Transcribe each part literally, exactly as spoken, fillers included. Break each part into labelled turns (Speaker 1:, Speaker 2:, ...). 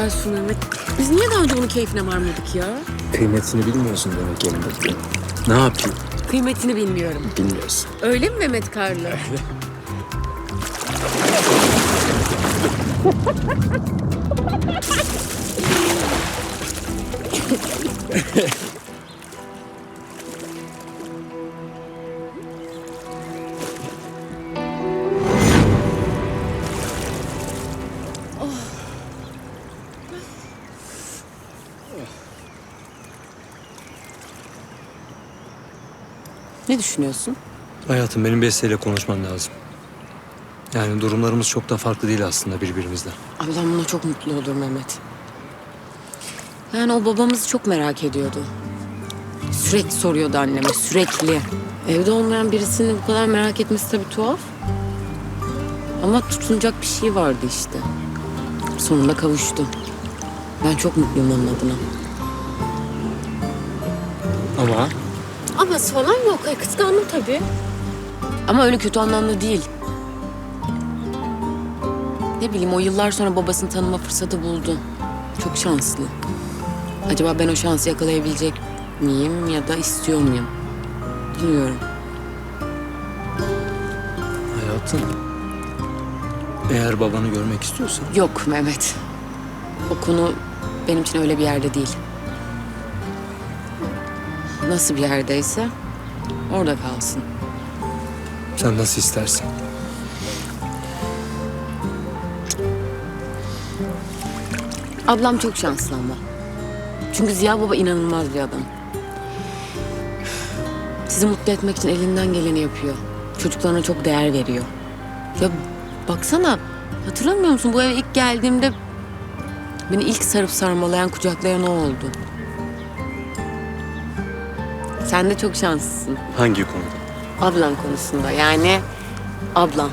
Speaker 1: güzel su Mehmet. Biz niye daha önce bunun keyfine varmadık ya?
Speaker 2: Kıymetini bilmiyorsun demek elindeki. Ne yapayım?
Speaker 1: Kıymetini bilmiyorum.
Speaker 2: Bilmiyorsun.
Speaker 1: Öyle mi Mehmet Karlı? Ne düşünüyorsun?
Speaker 2: Hayatım, benim Beste ile konuşmam lazım. Yani durumlarımız çok da farklı değil aslında birbirimizden.
Speaker 1: Ablam buna çok mutlu olur Mehmet. Yani o babamızı çok merak ediyordu. Sürekli soruyordu anneme, sürekli. Evde olmayan birisini bu kadar merak etmesi tabii tuhaf. Ama tutunacak bir şey vardı işte. Sonunda kavuştu. Ben çok mutluyum onun adına.
Speaker 2: Ama
Speaker 1: Aması falan yok. Ay, kıskandım tabii. Ama öyle kötü anlamda değil. Ne bileyim, o yıllar sonra babasını tanıma fırsatı buldu. Çok şanslı. Acaba ben o şansı yakalayabilecek miyim ya da istiyor muyum? Bilmiyorum.
Speaker 2: hayatım, eğer babanı görmek istiyorsan
Speaker 1: Yok Mehmet. O konu benim için öyle bir yerde değil. Nasıl bir yerdeyse orada kalsın.
Speaker 2: sen nasıl istersen.
Speaker 1: Ablam çok şanslı ama. Çünkü Ziya Baba inanılmaz bir adam. Sizi mutlu etmek için elinden geleni yapıyor. Çocuklarına çok değer veriyor. Ya baksana, hatırlamıyor musun? Bu eve ilk geldiğimde beni ilk sarıp sarmalayan, kucaklayan o oldu. Sen de çok şanslısın.
Speaker 2: Hangi konuda?
Speaker 1: Ablan konusunda, yani ablam.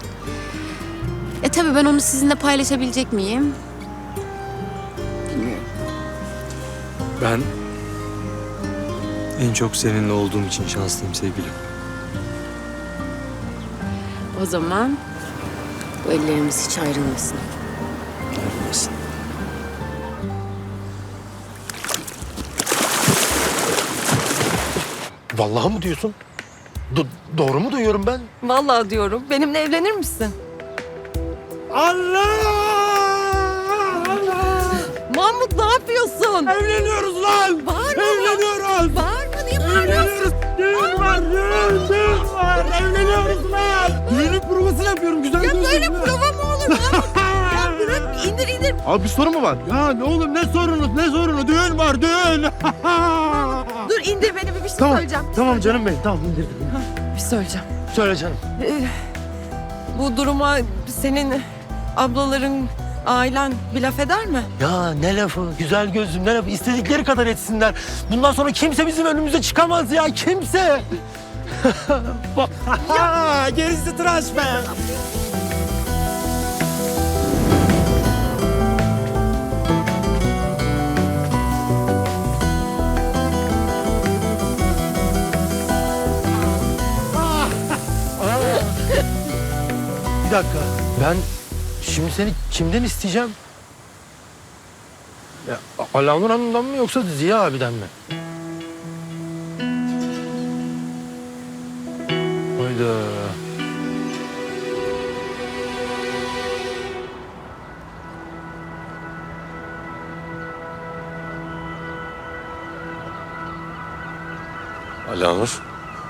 Speaker 1: E tabii ben onu sizinle paylaşabilecek miyim? Bilmiyorum.
Speaker 2: Ben en çok seninle olduğum için şanslıyım sevgilim.
Speaker 1: O zaman bu ellerimiz hiç ayrılmasın.
Speaker 2: Ayrılmasın.
Speaker 3: Vallahi mı diyorsun? Do- doğru mu duyuyorum ben?
Speaker 4: Vallahi diyorum. Benimle evlenir misin?
Speaker 3: Allah!
Speaker 4: Mahmut ne yapıyorsun?
Speaker 3: Evleniyoruz lan!
Speaker 4: Bağırma.
Speaker 3: Evleniyoruz!
Speaker 4: Bağırma, niye bağırıyorsun?
Speaker 3: Evleniyoruz! Düğün var, düğün, düğün var! Evleniyoruz lan! Düğünün provasını yapıyorum, güzel
Speaker 4: Ya
Speaker 3: gözüküyor.
Speaker 4: böyle prova mı olur Mahmut? Ya bırak, indir indir.
Speaker 3: Abi bir sorun mu var? Ya ne oğlum, ne sorunu, ne sorunu? Düğün var, düğün!
Speaker 4: Dur indir beni, bir, bir şey
Speaker 3: Tamam,
Speaker 4: söyleyeceğim.
Speaker 3: tamam canım benim, tamam indirdim.
Speaker 4: Bir şey söyleyeceğim.
Speaker 3: Söyle canım.
Speaker 4: Ee, bu duruma senin ablaların, ailen bir laf eder mi?
Speaker 3: Ya ne lafı, güzel gözlüm, ne lafı? İstedikleri kadar etsinler. Bundan sonra kimse bizim önümüze çıkamaz ya, kimse. ya gerisi tıraş be. Bir dakika, ben şimdi seni kimden isteyeceğim? Ya, Alanur Hanım'dan mı yoksa Ziya abiden mi? Hayda.
Speaker 5: Alanur.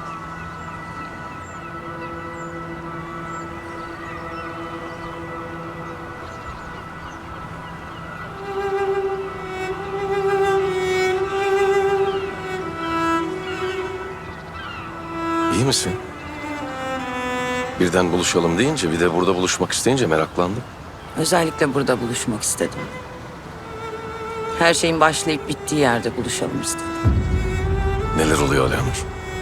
Speaker 5: İyi misin? Birden buluşalım deyince, bir de burada buluşmak isteyince meraklandım.
Speaker 6: Özellikle burada buluşmak istedim. Her şeyin başlayıp bittiği yerde buluşalım istedim.
Speaker 5: Neler oluyor Alanur?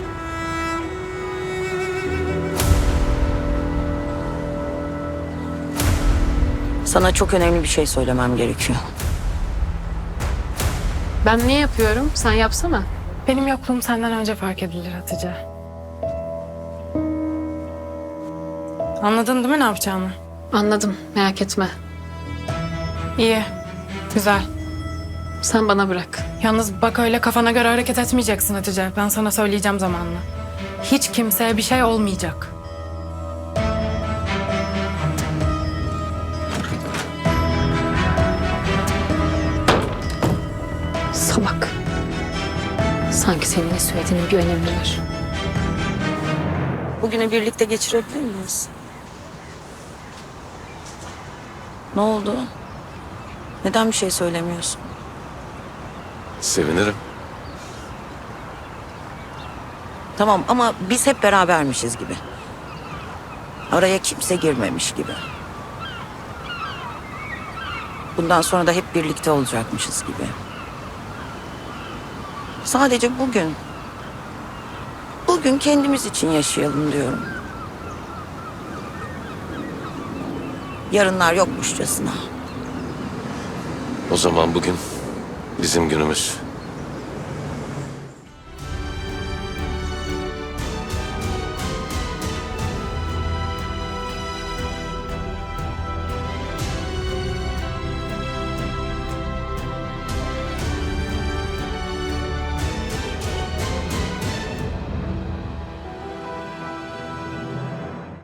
Speaker 6: Sana çok önemli bir şey söylemem gerekiyor.
Speaker 1: Ben niye yapıyorum? Sen yapsana.
Speaker 7: Benim yokluğum senden önce fark edilir Hatice. Anladın değil mi ne yapacağını?
Speaker 8: Anladım, merak etme.
Speaker 7: İyi. Güzel. Sen bana bırak. Yalnız bak öyle kafana göre hareket etmeyeceksin Hatice. Ben sana söyleyeceğim zamanla. Hiç kimseye bir şey olmayacak.
Speaker 1: Salak. Sanki senin ne söylediğinin bir önemi var.
Speaker 6: Bugünü birlikte geçirebilir miyiz? Ne oldu? Neden bir şey söylemiyorsun?
Speaker 5: Sevinirim.
Speaker 6: Tamam ama biz hep berabermişiz gibi. Araya kimse girmemiş gibi. Bundan sonra da hep birlikte olacakmışız gibi. Sadece bugün. Bugün kendimiz için yaşayalım diyorum. Yarınlar yokmuşçasına.
Speaker 5: O zaman bugün bizim günümüz.